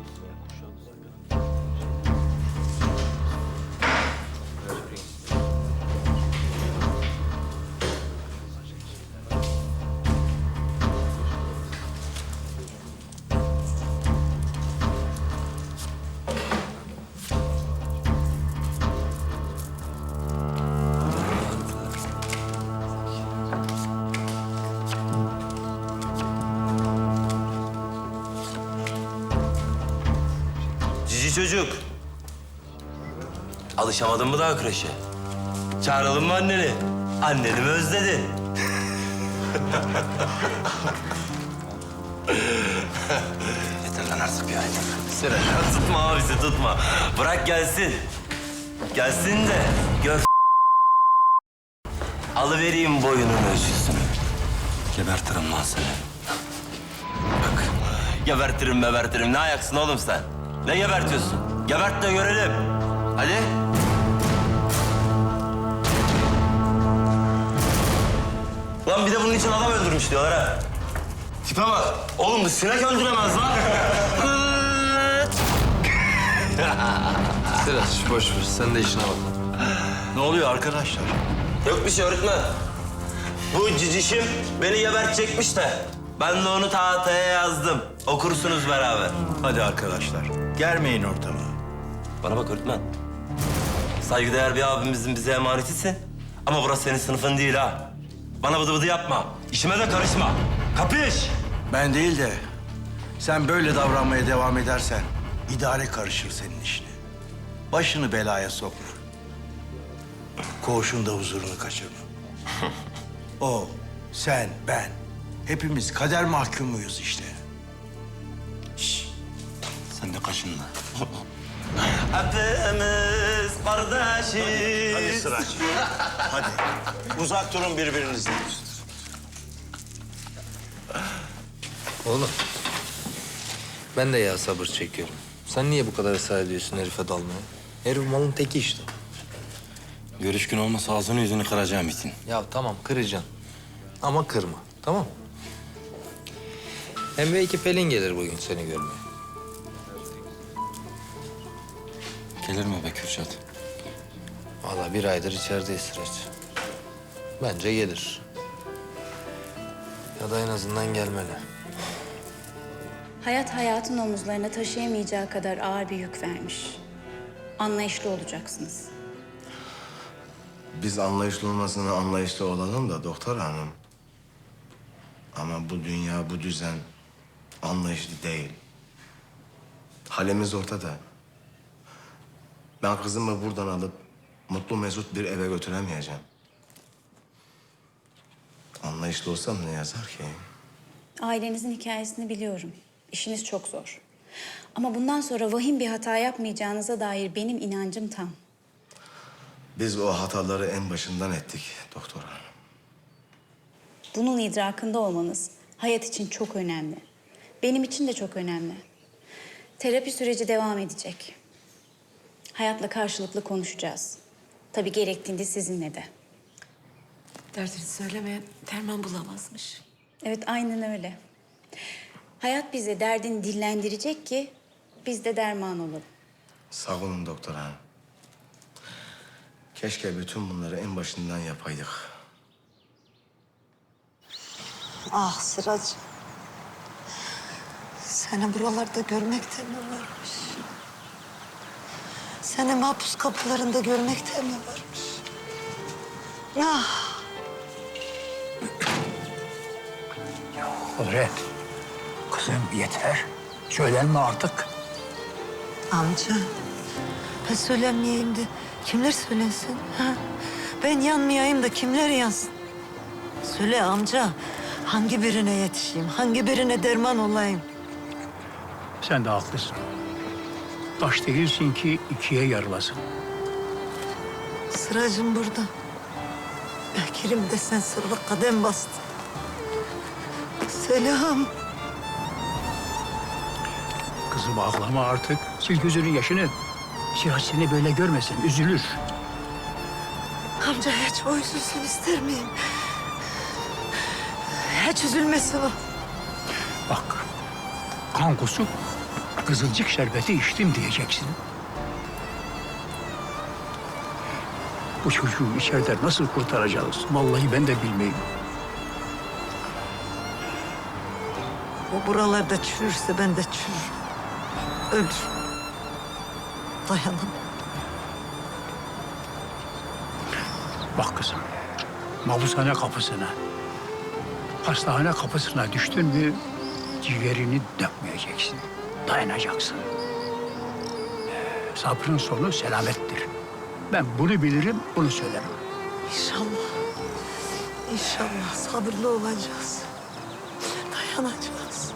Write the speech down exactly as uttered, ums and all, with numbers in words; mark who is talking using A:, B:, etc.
A: Cici çocuk. Alışamadın mı daha kreşe? Çağıralım mı anneni? Anneni mi özledin? Yeter lan artık bir aydır. Sıra tutma abisi tutma. Bırak gelsin. Gelsin de gör. Alıvereyim boyunun ölçüsünü. Gebertirim lan seni. Bak. Gebertirim gebertirim. Ne ayaksın oğlum sen? Ne gebertiyorsun? Gebert de görelim. Hadi. Lan bir de bunun için adam öldürmüş diyorlar ha. Tipe bak. Oğlum bu sinek öldüremez lan.
B: Sıraç boş ver. Sen de işine bak.
C: Ne oluyor arkadaşlar?
A: Yok bir şey öğretmen. Bu cicişim beni gebertecekmiş de. Ben de onu tahtaya yazdım. Okursunuz beraber.
C: Hadi arkadaşlar, germeyin ortamı.
A: Bana bak öğretmen. Saygıdeğer bir abimizin bize emanetisin. Ama burası senin sınıfın değil ha. Bana bıdı bıdı yapma. İşime de karışma. Kapış!
C: Ben değil de sen böyle davranmaya devam edersen idare karışır senin işine. Başını belaya sokma. Koğuşun da huzurunu kaçırma. O, sen, ben. Hepimiz kader mahkumuyuz işte.
A: Şşş! Sen de kaşınma. Hepimiz kardeşiz.
C: Hadi Sıraç. Hadi. Uzak durun birbirinizden.
B: Oğlum. Ben de ya sabır çekiyorum. Sen niye bu kadar ısrar ediyorsun herife dalmaya? Herif malın teki işte.
A: Görüş gün olmasa ağzını yüzünü kıracağım için.
B: Ya tamam kıracaksın. Ama kırma. Tamam. Hem belki Pelin gelir bugün seni görmeye.
A: Gelir mi be Kürşat?
B: Vallahi bir aydır içerideyiz Sıraç. Bence gelir. Ya da en azından gelmeli.
D: Hayat hayatın omuzlarına taşıyamayacağı kadar ağır bir yük vermiş. Anlayışlı olacaksınız.
E: Biz anlayışlı olmasına anlayışlı olalım da doktor hanım. Ama bu dünya, bu düzen anlayışlı değil. Halimiz ortada. Ben kızımı buradan alıp mutlu mesut bir eve götüremeyeceğim. Anlayışlı olsam ne yazar ki?
D: Ailenizin hikayesini biliyorum. İşiniz çok zor. Ama bundan sonra vahim bir hata yapmayacağınıza dair benim inancım tam.
E: Biz o hataları en başından ettik doktor hanım.
D: Bunun idrakında olmanız hayat için çok önemli. Benim için de çok önemli. Terapi süreci devam edecek. Hayatla karşılıklı konuşacağız. Tabii gerektiğinde sizinle de.
F: Derdini söylemeyen derman bulamazmış.
D: Evet, aynen öyle. Hayat bize derdini dillendirecek ki biz de derman olalım.
E: Sağ olun doktor hanım. Keşke bütün bunları en başından yapaydık.
F: Ah Sıracığım. Seni buralarda görmekte mi varmış? Seni mahpus kapılarında görmekte mi varmış? Ah.
G: Kudret, kızım yeter. Söylenme artık.
F: Amca, ben söylemeyeyim de kimler söylesin? Ha? Ben yanmayayım da kimler yansın? Söyle amca, hangi birine yetişeyim, hangi birine derman olayım?
G: Sen de haklısın. Taş değilsin ki ikiye yarılasın.
F: Sıracığım burada. Bekir'im de sen sırrı kadem bastın. Selam.
G: Kızım ağlama artık. Sil gözünün yaşını. Siraç seni böyle görmesin, üzülür.
F: Amca hiç o üzülsün ister miyim? Hiç üzülmesin o.
G: Bak, kan kusup Kızılcık şerbeti içtim diyeceksin. Bu çocuğu içeride nasıl kurtaracağız? Vallahi ben de bilmiyorum.
F: O buralarda çürürse ben de çürürüm. Ölür. Dayanamam.
G: Bak kızım, mahpushane kapısına, hastane kapısına düştün mü ciğerini dökmeyeceksin. Dayanacaksın. Sabrın sonu selamettir. Ben bunu bilirim, bunu söylerim.
F: İnşallah. İnşallah sabırlı olacağız. Dayanacağız.